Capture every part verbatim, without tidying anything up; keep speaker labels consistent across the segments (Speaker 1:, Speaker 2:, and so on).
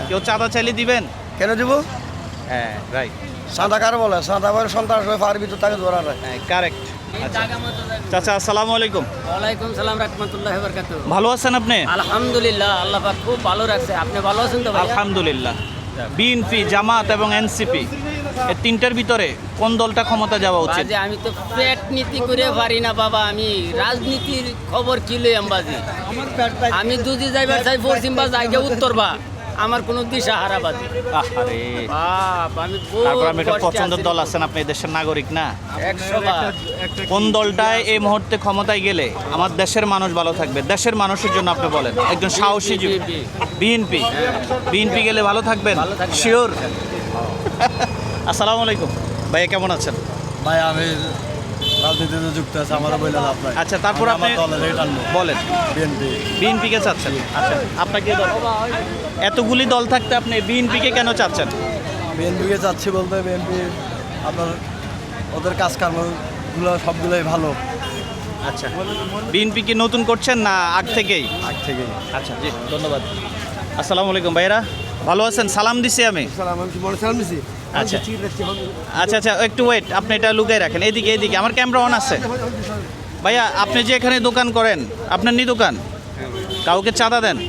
Speaker 1: কেউ চাঁদা চাইলে দিবেন?
Speaker 2: কেন দিব?
Speaker 1: হ্যাঁ রাইট।
Speaker 2: সাদা কার বলে সাদা বলে সন্ত্রাস হয়ে পার ভিতর তাকে ধরা যায়।
Speaker 1: হ্যাঁ কারেক্ট। আচ্ছা চাচা আসসালামু আলাইকুম।
Speaker 3: ওয়ালাইকুম সালাম রাহমাতুল্লাহি ওয়া বারাকাতুহু।
Speaker 1: ভালো আছেন আপনি?
Speaker 3: আলহামদুলিল্লাহ, আল্লাহ পাক খুব ভালো রাখছে। আপনি ভালো আছেন তো ভাই?
Speaker 1: আলহামদুলিল্লাহ। বিএনপি, জামাত এবং এনসিপি এই তিনটার ভিতরে কোন দলটা ক্ষমতা যাওয়া উচিত?
Speaker 3: বাজে আমি তো পেট নীতি করে পারি না বাবা, আমি রাজনীতির খবর কি লই আমবাজি। আমি যদি যাইবার চাই পশ্চিম বা জায়গা উত্তর বা আমার কোনো দিশা হারাবাজি।
Speaker 1: আহারে
Speaker 3: বাপ আমি বহুত
Speaker 1: তারপর আমি একটা
Speaker 3: কষ্টে
Speaker 1: পছন্দের
Speaker 3: আছি।
Speaker 1: দল আছেন, আপনি এই দেশের নাগরিক না?
Speaker 3: একশো বার।
Speaker 1: কোন দলটায় এই মুহূর্তে ক্ষমতায় গেলে আমার দেশের মানুষ ভালো থাকবে? দেশের মানুষের জন্য আপনি বলেন, একজন সাহসী যুবক। বিএনপি বিএনপি গেলে ভালো থাকবেন
Speaker 3: ভালো থাকবেন।
Speaker 1: শিওর? আসসালামু আলাইকুম ভাইয়া, কেমন আছেন?
Speaker 2: ভাই আমি রাজনীতিতে যুক্ত আছে, আমার বলে লাভ নাই।
Speaker 1: আচ্ছা তারপর আপনি বলেন
Speaker 2: বিএনপি।
Speaker 1: বিএনপি কে চাচ্ছেন? আচ্ছা আপনাকে দল, এতগুলি দল থাকতে আপনি বিএনপি কে কেন চাচ্ছেন?
Speaker 2: বিএনপিকে যাচ্ছি বলতে বিএনপি আপনার ওদের কাজকর্মগুলো সবগুলোই ভালো
Speaker 1: আচ্ছা বিএনপি কি নতুন করছেন না আগ থেকেই?
Speaker 2: আগ থেকেই।
Speaker 1: আচ্ছা জি ধন্যবাদ। আসসালামু আলাইকুম ভাইরা, ভালো আছেন? সালাম দিছি আমি। আচ্ছা আচ্ছা আচ্ছা একটু ওয়েট, আপনি এটা লুকাই রাখেন। এদিকে এদিকে আমার ক্যামেরা অন আছে। ভাইয়া আপনি যে এখানে দোকান করেন, আপনার নি দোকান, কাউকে চাঁদা দেন?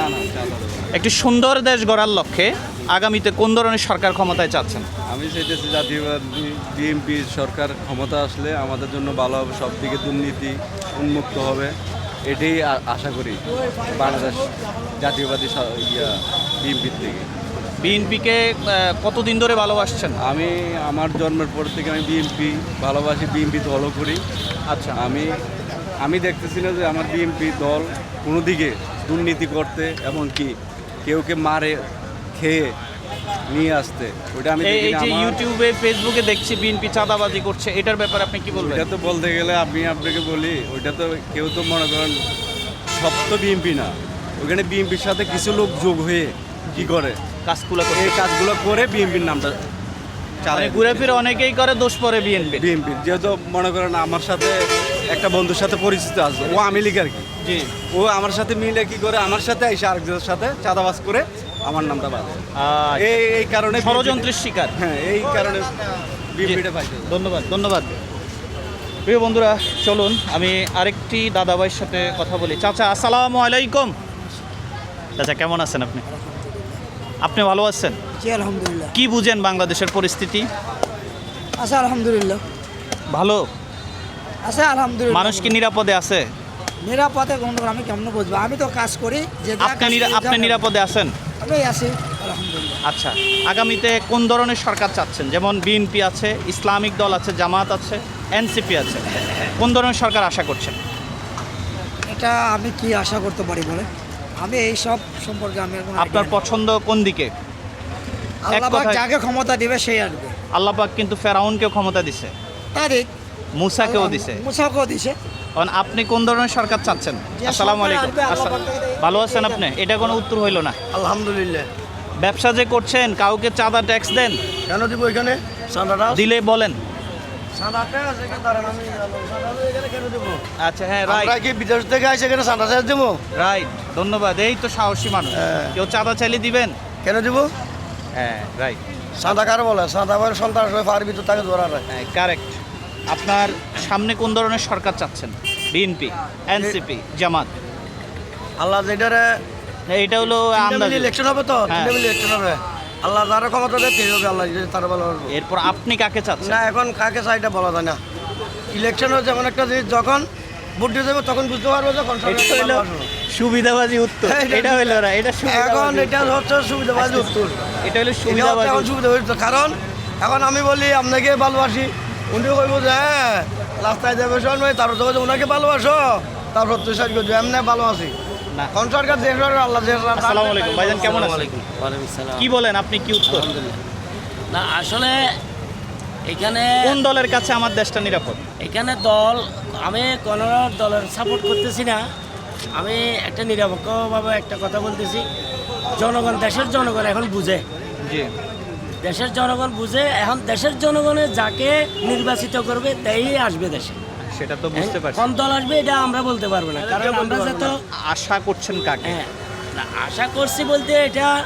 Speaker 1: একটি সুন্দর দেশ গড়ার লক্ষ্যে আগামীতে কোন ধরনের সরকার ক্ষমতায় চাচ্ছেন?
Speaker 4: আমি চাইতেছি জাতীয়বাদী বিএনপি সরকার ক্ষমতা আসলে আমাদের জন্য ভালো হবে, সব দিকে দুর্নীতি উন্মুক্ত হবে, এটাই আ- আশা করি বাংলাদেশ জাতীয়বাদী স- ইয়া বিএনপির থেকে।
Speaker 1: বিএনপিকে কতদিন ধরে ভালোবাসছেন?
Speaker 4: আমি আমার জন্মের পর থেকে আমি বিএনপি ভালোবাসি, বিএনপি দলও করি।
Speaker 1: আচ্ছা
Speaker 4: আমি আমি দেখতেছি না যে আমার বিএনপি দল কোনো দিকে দুর্নীতি করতে, এমনকি কেউকে মারে খেয়ে নিয়ে আসতে, ওটা আমি
Speaker 1: এই
Speaker 4: দেখি
Speaker 1: এই
Speaker 4: না।
Speaker 1: যে
Speaker 4: আমার-
Speaker 1: ইউটিউবে ফেসবুকে দেখছি বিএনপি চাঁদাবাজি করছে, এটার ব্যাপারে আপনি কি বলবেন?
Speaker 4: ওইটা তো বলতে গেলে আমি আপনাকে বলি, ওইটা তো কেউ তো মনে করেন সব তো বিএনপি না, ওখানে বিএনপির সাথে কিছু লোক যোগ হয়ে কি করে
Speaker 1: কাজগুলো
Speaker 4: এই
Speaker 1: করছে
Speaker 4: কাজগুলো করে বিএনপির নামটা
Speaker 1: মানে
Speaker 4: চালায়।
Speaker 1: ঘুরে ফিরে অনেকেই করে, দোষ পরে বিএনপি।
Speaker 4: বিএনপির যেহেতু মনে করেন আমার সাথে একটা বন্ধুর সাথে পরিচিত আছে, ও আমি লীগ আর কি,
Speaker 1: জি
Speaker 4: ও আমার সাথে মিলে কি করে আমার সাথে এসে আরেকজনের সাথে চাঁদাবাজ করে আমার নামটা বাজে।
Speaker 1: আহ,
Speaker 4: এই এই কারণে
Speaker 1: ষড়যন্ত্রের শিকার।
Speaker 4: হ্যাঁ এই কারণে বিএনপিটা পাইছে।
Speaker 1: ধন্যবাদ ধন্যবাদ। প্রিয় বন্ধুরা চলুন আমি আরেকটি দাদাভাইয়ের সাথে কথা বলি। চাচা আসসালামু আলাইকুম। চাচা কেমন আছেন আপনি? আপনি ভালো আছেন?
Speaker 5: জি আলহামদুলিল্লাহ।
Speaker 1: কি বুঝেন বাংলাদেশের পরিস্থিতি?
Speaker 5: আছে আলহামদুলিল্লাহ।
Speaker 1: ভালো?
Speaker 5: আছে আলহামদুলিল্লাহ।
Speaker 1: মানুষ কি নিরাপদে আছে?
Speaker 5: নিরাপদে কোনো আমি কেমন বুঝবো? আমি তো কাজ করি যে যা
Speaker 1: আপনি
Speaker 5: কাজ
Speaker 1: নিরা-
Speaker 5: করি
Speaker 1: আপনি
Speaker 5: জানেন।
Speaker 1: নিরাপদে আছেন?
Speaker 5: আমি আছি আলহামদুলিল্লাহ।
Speaker 1: আচ্ছা আগামীতে কোন ধরনের সরকার চাচ্ছেন? যেমন বিএনপি আছে, ইসলামিক দল আছে, জামাত আছে, এনসিপি আছে, কোন ধরনের সরকার আশা করছেন?
Speaker 5: এটা আমি কি আশা করতে পারি বলে, আমি এই সব সম্পর্কে আমি কোনো
Speaker 1: আপনার
Speaker 5: idea নেই।
Speaker 1: পছন্দ কোন দিকে?
Speaker 5: আল্লাহ পাক
Speaker 1: কথায়-
Speaker 5: যাকে ক্ষমতা দিবে সেই আসবে।
Speaker 1: আল্লাহ পাক কিন্তু ফেরাউনকেও ক্ষমতা দিছে,
Speaker 5: তারিখ
Speaker 1: মুসাকেও দিছে।
Speaker 5: মুসাকেও দিছে।
Speaker 1: কারণ আপনি কোন ধরনের সরকার চাচ্ছেন?
Speaker 5: যে
Speaker 1: আসসালামু
Speaker 5: সরকার
Speaker 1: আলাইকুম।
Speaker 5: আসবে, আল্লাহ
Speaker 1: আচ্ছা,
Speaker 5: পাক থেকে-
Speaker 1: ভালো আছেন আপনি? এটা কোনো উত্তর হইল না।
Speaker 2: আলহামদুলিল্লাহ।
Speaker 1: ব্যবসা যে করছেন, কাউকে চাঁদা ট্যাক্স দেন?
Speaker 2: কেন দিব এখানে চাঁদাটা?
Speaker 1: দিলে বলেন।
Speaker 2: চাঁদাটা আছে এখানে দাঁড়ান, আমি চাঁদা এখানে কেন দিব?
Speaker 1: আচ্ছা হ্যাঁ
Speaker 2: আমরা
Speaker 1: রাইট
Speaker 2: কি বিদেশ থেকে আইসে এখানে চাঁদা চাষ দেবো?
Speaker 1: রাইট ধন্যবাদ। এই তো সাহসী মানুষ।
Speaker 2: হ্যাঁ।
Speaker 1: কেউ চাঁদা চাইলে দিবেন?
Speaker 2: কেন দিব?
Speaker 1: হ্যাঁ রাইট
Speaker 2: চাঁদা কার বলে সাদা বলে সন্ত্রাস হয়ে পার ভিতর তাকে ধরা যায়।
Speaker 1: হ্যাঁ কারেক্ট। আপনার সামনে কোন ধরনের সরকার চাচ্ছেন? বিএনপি, এনসিপি, জামাত?
Speaker 2: আল্লাহ যেটারে
Speaker 1: এইটা হলো আন্দাজ।
Speaker 2: ইলেকশন হবে তো,
Speaker 1: হ্যাঁ।
Speaker 2: তিনটা মিলে ইলেকশন হবে। আল্লাহ যারা ক্ষমতা দেয় সেই হবে, আল্লাহ যদি তারা ভালো হবে।
Speaker 1: এরপর আপনি কাকে চাচ্ছেন?
Speaker 2: না এখন কাকে চাই এটা বলা যায় না। ইলেকশন হচ্ছে এমন একটা জিনিস, যখন ভোট দিয়ে দেবে তখন বুঝতে পারবো যে কোন সরকার
Speaker 1: এটা হইলো
Speaker 2: ভালোবাসবো।
Speaker 1: সুবিধাবাজি উত্তর।
Speaker 2: হ্যাঁ, এটা-
Speaker 1: এটা হইলো না, এটা
Speaker 2: এখন
Speaker 1: সুবিধাবাজি
Speaker 2: এটা হচ্ছে সুবিধাবাজি উত্তর।
Speaker 1: এটা হলো
Speaker 2: এটা হচ্ছে
Speaker 1: সুবিধাবাজি
Speaker 2: এখন
Speaker 1: উত্তর।
Speaker 2: সুবিধাবাজি উত্তর। কারণ এখন আমি বলি আপনাকে ভালোবাসি, উনিও কইব যে হ্যাঁ রাস্তায় যাবে শোন তারপর তো বলছে ওনাকে ভালোবাসো, তারপর তুই সাজ করছো এমনি ভালোবাসি।
Speaker 1: না।
Speaker 2: কোন সরকার যে সরকার আল্লাহ যে সরকার-
Speaker 1: আসসালামু আলাইকুম ভাইজান, কেমন আছেন?
Speaker 3: ওয়ালাইকুম সালাম।
Speaker 1: কি বলেন আপনি, কি উত্তর?
Speaker 3: না আসলে এখানে
Speaker 1: কোন দলের কাছে আমার দেশটা নিরাপদ?
Speaker 3: এখানে দল, আমি কোনো দলের সাপোর্ট করতেছি না। আমি একটা নিরপেক্ষভাবে একটা কথা বলতেছি, জনগণ, দেশের জনগণ এখন বুঝে,
Speaker 1: জি
Speaker 3: দেশের জনগণ বুঝে। এখন দেশের জনগণে যাকে নির্বাচিত করবে তাই আসবে দেশে।
Speaker 1: সেটা তো বুঝতে পারছি।
Speaker 3: কোন দল আসবে এটা আমরা বলতে পারবো না, কারণ আমরা যত
Speaker 1: আশা করছেন কাকে?
Speaker 3: হ্যাঁ না, আশা করছি বলতে এটা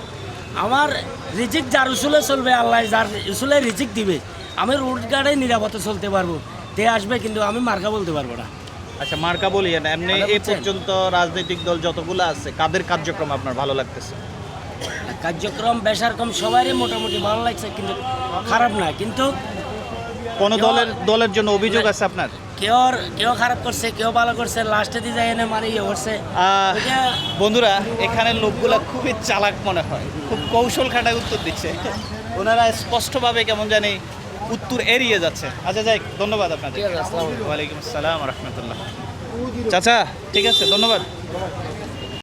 Speaker 6: আমার রিজিক যার উসুলে চলবে, আল্লাহ যার উসুলে রিজিক দিবে, আমি রোড গার্ডে নিরাপদে চলতে পারবো। তে আসবে কিন্তু আমি মার্কা বলতে পারবো না।
Speaker 1: আচ্ছা, মার্কা বলি না, এমনি
Speaker 6: মানে
Speaker 1: এই
Speaker 6: বুঝছেন?
Speaker 1: পর্যন্ত রাজনৈতিক দল যতগুলো আছে কাদের কার্যক্রম আপনার ভালো লাগতেছে?
Speaker 6: কার্যক্রম বেসারকম সবারই মোটামুটি ভালো লাগছে, কিন্তু খারাপ না। কিন্তু
Speaker 1: কোন দলের দলের জন্য অভিযোগ আছে আপনার?
Speaker 6: কেউ কেউ খারাপ করছে, কেউ ভালো করছে, লাস্টে দিয়ে যায় এনে মানে ইয়ে করছে।
Speaker 1: আহ,
Speaker 6: ওইটা
Speaker 1: বন্ধুরা, এখানে লোকগুলা খুবই চালাক মনে হয়, খুব কৌশল খাটায় উত্তর দিচ্ছে। ওনারা স্পষ্টভাবে কেমন জানি উত্তর এড়িয়ে যাচ্ছে। আচ্ছা যাই, ধন্যবাদ আপনাদের। ওয়ালাইকুম আসসালাম রহমতুল্লাহ। চাচা ঠিক আছে, ধন্যবাদ।